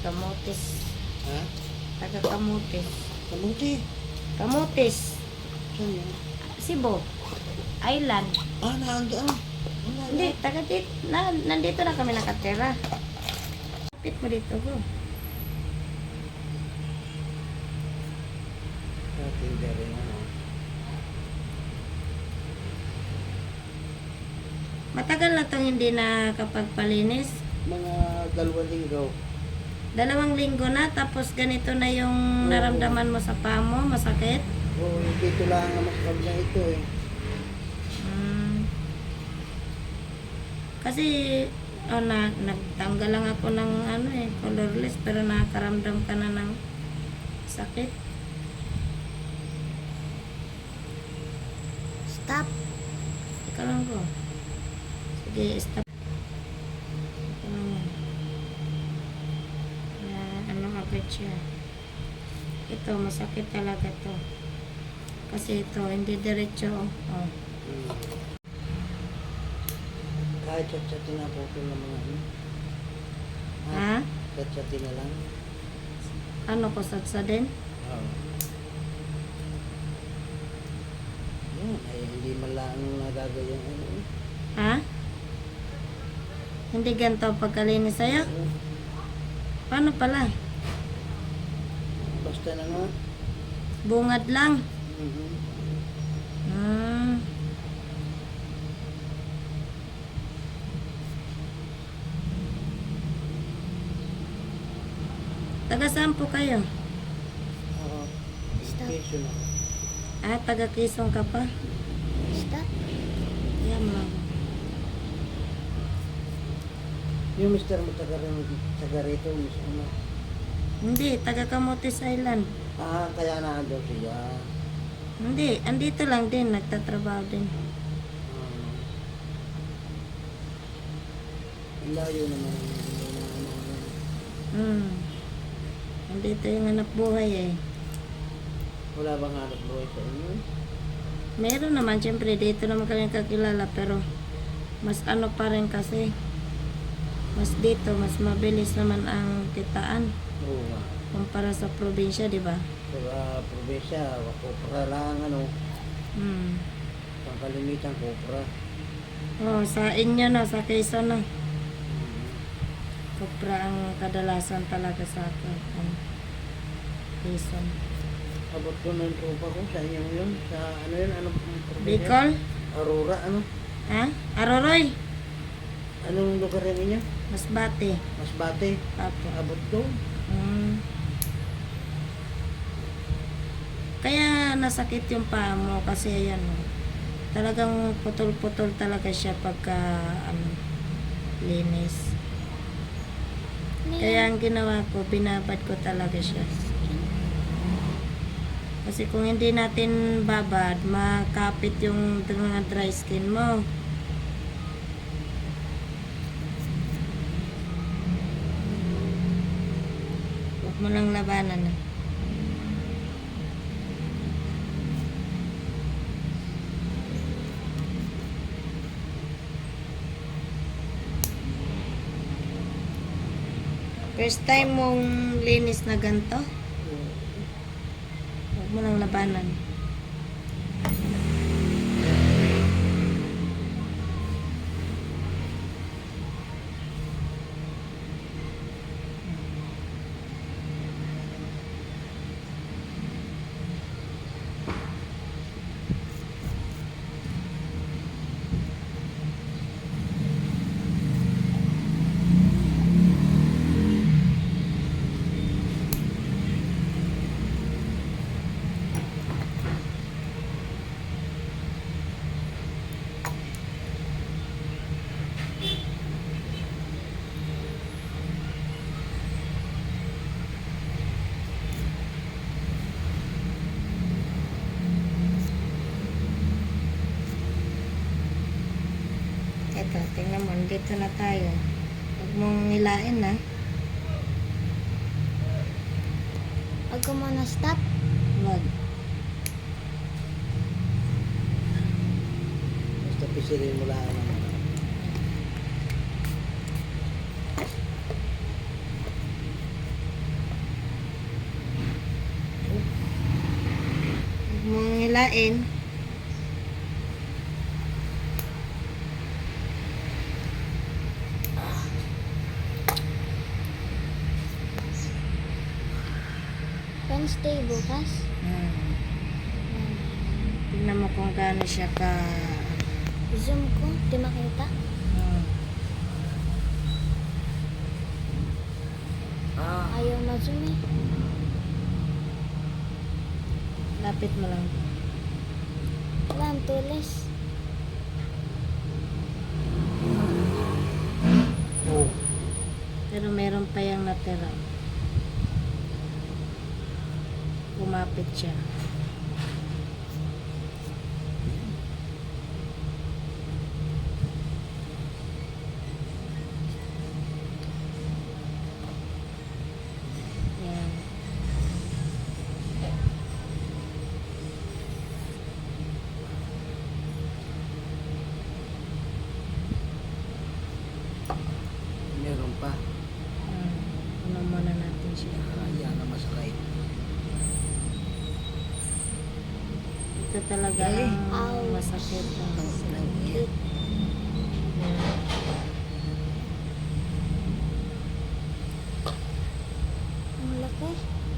Kamutis. Ha? Taga Kamutis. Kamuti. Kamutis. Saan yun? Cebu. Island. Naandaan. Wala Hindi, taga dito. Nandito na kami nakatira. Kapit mo dito, go. Tinda rin ano. Matagal na itong hindi nakapagpalinis. Mga 2 linggo. 2 linggo na, tapos ganito na yung naramdaman mo sa paa mo, masakit. Dito lang ang mas kabila ito eh. Kasi, nagtanggal lang ako ng colorless, pero nakakaramdam ka na ng sakit. Stop. Ika lang ko. Sige, stop. Ika lang yan. Agad siya. Ito, masakit talaga to. Kasi ito, hindi diretso. Oh. Kahit chat-chatin na po ito ng mga ano. Ha? Chat-chatin na lang. Ano ko, sadsa din? Oo. Yun, ay hindi man lang nagagawin ano. Ha? Hindi ganito pagkalinis sa'yo? Paano pala? Basta na nga. Bungad lang. Mm-hmm. Taga saan po kayo? Oo. Stop. Education ako. Taga Quezon ka pa? Stop. Yan mo. Yung mister mo taga rito, mister mo. Hindi, taga Camotes Island. Kaya naandun siya. Hindi, andito lang din, nagtatrabaho din. Ang layo naman. Andito yung anak buhay eh. Wala bang hanap buhay sa inyo? Meron naman, syempre, dito naman kami kakilala, pero mas ano pa rin kasi. Mas dito, mas mabilis naman ang kitaan. Oo nga. Kumpara sa probinsya, di ba? Sa probinsya, kopra lang ano. Pangkalimitan kopra. Oh, sa inyo na, sa Quezon na. Kopra ang kadalasan talaga sa akin. Quezon. Abot ko ng tropa ko sa inyo yun. Sa ano yun, ano probinsya? Bicol? Aurora, ano? Ha? Aroroy? Anong lugar yan ninyo? Masbate. Masbate. Apo. Abot ko. Kaya nasakit yung paa mo kasi ayan talagang putol-putol talaga siya pagka linis. Kaya ang ginawa ko, binabad ko talaga siya. Kasi kung hindi natin babad, makapit yung mga dry skin mo. Huwag mo lang labanan. First time mong linis na ganito? Huwag mo lang labanan. Ito, tingnan mo, dito na tayo. Huwag mong nilain na. Huwag ko muna stop. Huwag. Basta pisirin mo lang naman. hilain. Wednesday bukas. Tignan mo kung gaano siya ka... Zoom ko, di makita. Ayaw ma-zoom eh. Lapit mo lang. Wala, ang tulis. Oh. Pero meron pa yung natira. Kumapit siya. Yan. Meron pa. Ano muna natin siya. Yan na masakit. Ito talaga ang masakit. Yan. Ang laki.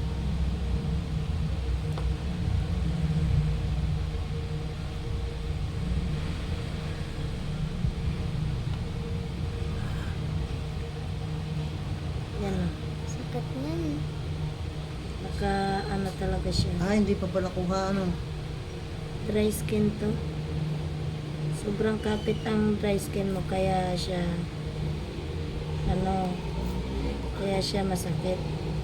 Yan na. Sakat niyan. Naka ano talaga siya. Hindi pa pala kuha ano. Dry skin to. Sobrang kapit ang dry skin mo kaya siya kaya siya masakit.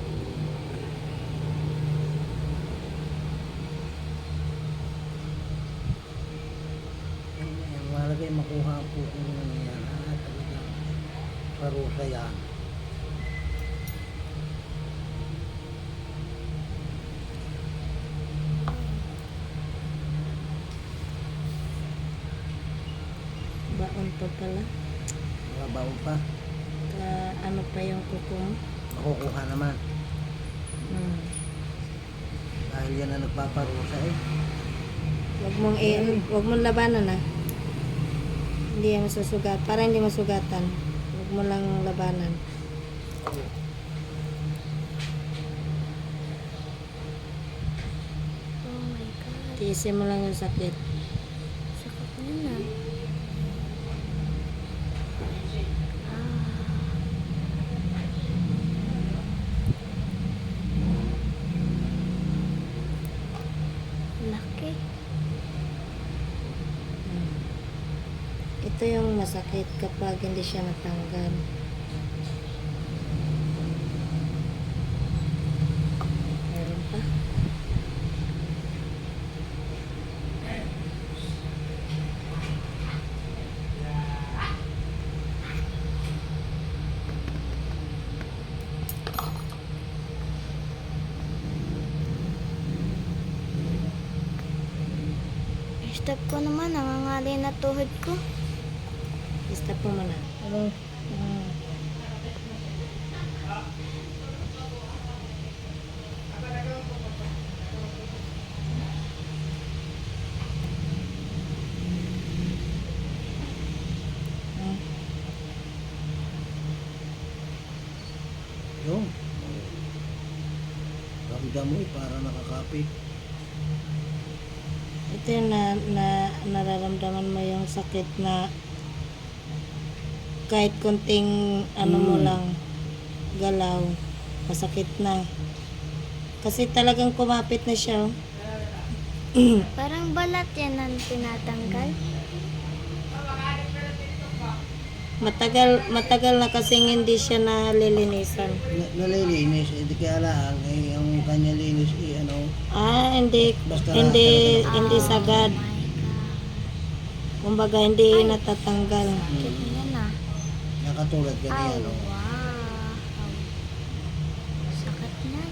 Ang malagay makuha po kung ano yan. Talagang parusa yan. Baon pa pala. Mababaw pa. Ano pa yung kuko mo? Makukuha naman. Dahil yan na nagpaparusa eh. Wag mong labanan na. Hindi yan masusugat. Para hindi masugatan. Wag mo lang labanan. Oh my God. Tiisin mo lang yung sakit. Sakat niyan ah. Laki. Ito yung masakit kapag hindi siya natanggal. Meron pa. Stop ko naman, nangangali na tuhod ko. Stop mo muna. Yung. Ramdam mo eh, para nakakapit. Ito yung nararamdaman mo yung sakit na kahit konting mo lang galaw, masakit na. Kasi talagang kumapit na siya. Parang balat yan ang tinatanggal. Matagal na kasing hindi siya nalilinisan. Nalilinis, hindi kaya lang, eh, yung kanya linis, Hindi Basta hindi sagad. Oh my God. Kumbaga hindi natatanggal. Yan ah. nakatulad ganyan, Oh, wow. Sakat niyan.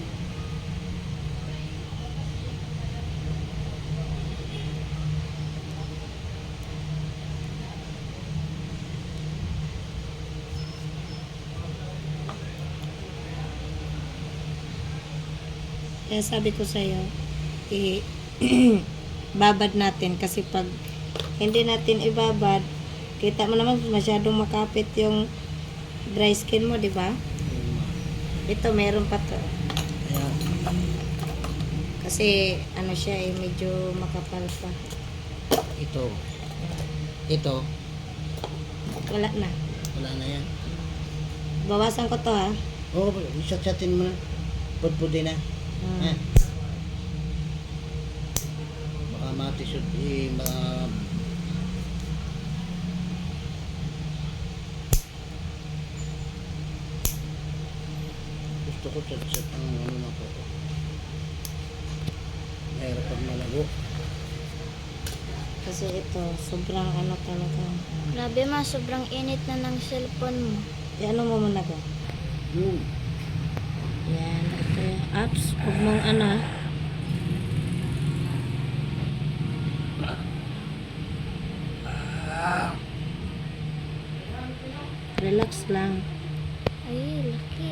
Kaya sabi ko sa'yo, babad natin kasi pag hindi natin ibabad, kita mo naman masyadong makapit yung dry skin mo, di ba? Ito, meron pa to. Kaya, Kasi, ano siya eh, medyo makapal pa. ito, Wala na. wala na yan. Bawasan ko to ha. Oo, isat-satin mo na. Pudpudin na. Hmm. Baka matisod, gusto ko sat-sat ang ano na po. Mahirap pag malago. Kasi ito, sobrang ano talaga. Grabe ma, sobrang init na ng cellphone mo. Ano mo muna ko? Hmm. Yan, ito yung apps. Huwag mong ano ha. Relax lang. Ay, laki.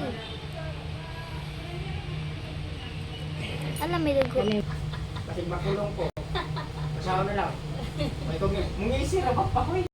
Alam, may dugo. Kami, Kasi makulong po. Kasama na lang. May kung mungisira pa pa ko eh.